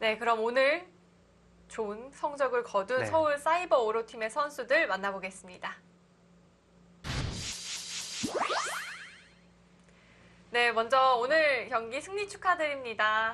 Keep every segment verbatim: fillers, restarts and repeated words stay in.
네, 그럼 오늘 좋은 성적을 거둔 네. 서울 사이버 오로팀의 선수들 만나보겠습니다. 네, 먼저 오늘 경기 승리 축하드립니다.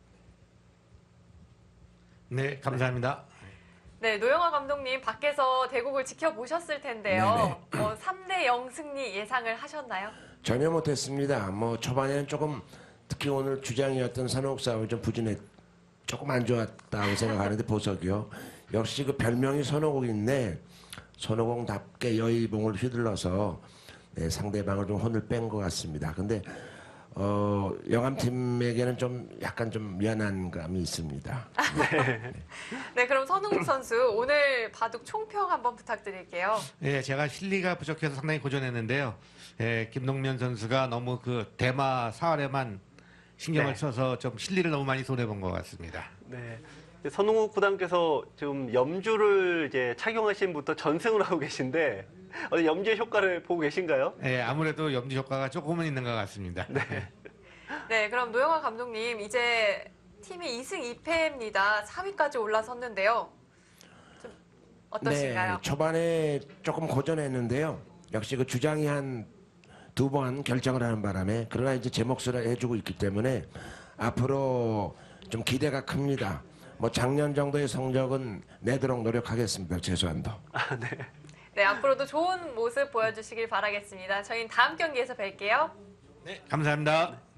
네, 감사합니다. 네, 노영화 감독님 밖에서 대국을 지켜보셨을 텐데요. 어, 삼 대 영 승리 예상을 하셨나요? 전혀 못했습니다. 뭐 초반에는 조금 특히 오늘 주장이었던 산호국 싸움이 좀 부진했, 조금 안 좋았다고 생각하는데 보석이요. 역시 그 별명이 손오공인데 손오공답게 여의봉을 휘둘러서 네, 상대방을 좀 혼을 뺀 것 같습니다. 근데 어, 영암팀에게는 좀 약간 좀 미안한 감이 있습니다. 네. 네, 그럼 선웅국 선수 오늘 바둑 총평 한번 부탁드릴게요. 예, 제가 실리가 부족해서 상당히 고전했는데요. 예, 김동면 선수가 너무 그 대마 사활에만 신경을 네. 써서 좀 실리를 너무 많이 손해본 것 같습니다. 네. 선웅욱 구단께서 지금 염주를 이제 착용하신 분부터 전승을 하고 계신데 어디 염주의 효과를 보고 계신가요? 예, 아무래도 염지 효과가 조금은 있는 것 같습니다. 네. 네, 그럼 노영화 감독님 이제 팀이 이 승 이 패입니다. 사 위까지 올라섰는데요. 좀 어떠신가요? 네, 초반에 조금 고전했는데요. 역시 그 주장이 한 두 번 결정을 하는 바람에 그러나 이제 제 몫을 해주고 있기 때문에 앞으로 좀 기대가 큽니다. 뭐 작년 정도의 성적은 내도록 노력하겠습니다. 최소한도. 아, 네. 네, 앞으로도 좋은 모습 보여주시길 바라겠습니다. 저희는 다음 경기에서 뵐게요. 네, 감사합니다.